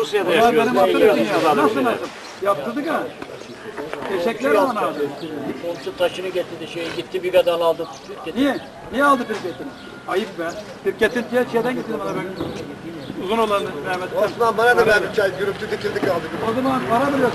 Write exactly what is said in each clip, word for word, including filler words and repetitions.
Rusya'da Bunlar yaşıyoruz. benim hatırım Biliyoruz ya. biz abi Nasıl bile. nasıl? Yaptırdık ha. Teşekkürler ona abi. Komşu taşını getirdi, şey gitti bir kadar aldı. Niye? Niye aldı pirketini? Ayıp be. Pirketin diye şeyden getirdim bana ben. Uzun olan Mehmet. Osman bana da ver bir çay. Gürültü dikildik aldık. O zaman para veriyorsun.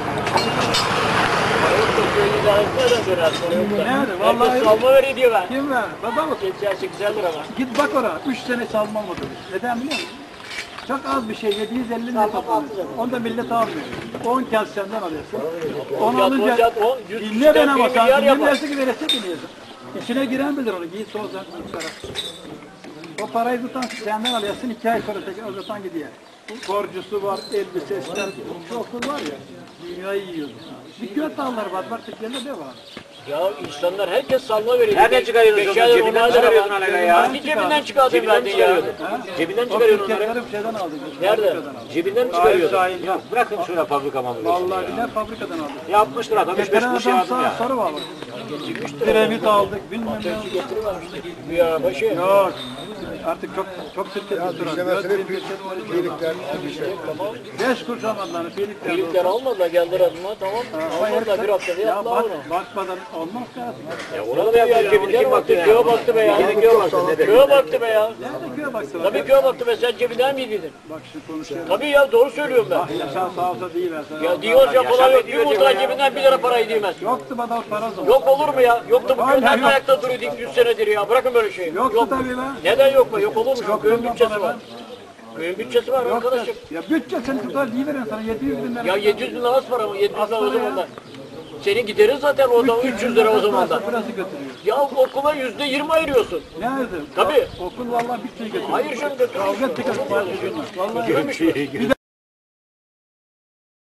Nerede? Vallahi Herkes salma veriyor diyor ben. kim ver? Baba mı? Geçer sekizer lira var. Git bak oraya. Üç sene salma olmadı. Neden biliyor musun? Çok az bir şey. yedi yüz elli lira toplanıyor. Onu da millet almıyor. on kağıt senden alıyorsun. Onu Yat, alınca yat, on, yüz dinle ben ama bir milyar sen yapar. dinlersin ki verese biliyorsun. İçine giren bilir onu. Giy soğuzdan para. O parayı tutan senden alıyorsun. iki ay sonra tekrar uzatan gidiyor. Borcusu var, elbisesi, şu okul var ya. Dünyayı yiyor. Bir göt dağları var. Var Türkiye'de de var. Ya insanlar herkes salma veriyor. Nereden çıkarıyorsun Beşer onları? lira, Cebinden onar lira çıkarıyordun var. hala ya. Hangi cebinden çıkardın Cebinden verdin ya? çıkarıyordun. Ha? Cebinden O çıkarıyordun onları. pirketleri bir şeyden aldık. Nerede? Fabrikadan aldık. Cebinden mi Hayır, çıkarıyordun? sahil yok. Bırakın şöyle fabrika mamulü. Vallahi billahi fabrikadan aldık. Yapmıştır adam. Üç beş Getiren kuruş adam yazdım sağ ya. soru var. Diremit aldık, bilmem ne aldık. Bir araba şey. Yok. Artık çok çok şirket tutturan. İşlemesini birlikler. Beş kuruş almadılar. Birlikler. Birlikler almadılar geldiler adıma tamam. Almadılar bir haftada Ya yaptılar bak, onu. bakmadan olmaz lazım. Ya ona da yapıyor. Cebinde kim baktı ya? Köye baktı be ya. Yine köye baktı. Ne Köye baktı be ya. Nerede köye baksana. Tabii köye baktı be sen cebinden miydin? Bak şu konuşuyor. Tabii ya doğru söylüyorum ben. Yaşar sağ olsa değil ben sana. Ya diyor ya falan yok. Bir muhtar cebinden bir lira parayı değmez. Yoktu bana o para o zaman. Yok olur mu ya? Yoktu bu Vallahi köyden yok. ayakta duruyor dik yüz senedir ya. Bırakın böyle şeyi. Yoktu Yok. tabii lan. Neden yok mu? Yok olur mu? Yok, Köyün ondan bütçesi para var. ben- Köyün bütçesi var Yoktu. arkadaşım. Ya bütçe seni tutar değil veren sana yedi yüz bin lira. Ya yedi yüz bin lira az para mı? yedi yüz bin lira o Az para zaman da. ya. Senin giderin zaten o da üç yüz lira o zaman da. Burası götürüyor. Ya okula yüzde yirmi ayırıyorsun. Nerede? Tabii. Okul vallahi bir şey götürüyor. Hayır canım götürmüyor. Kavga tıkır. Vallahi. Götürmüş mü?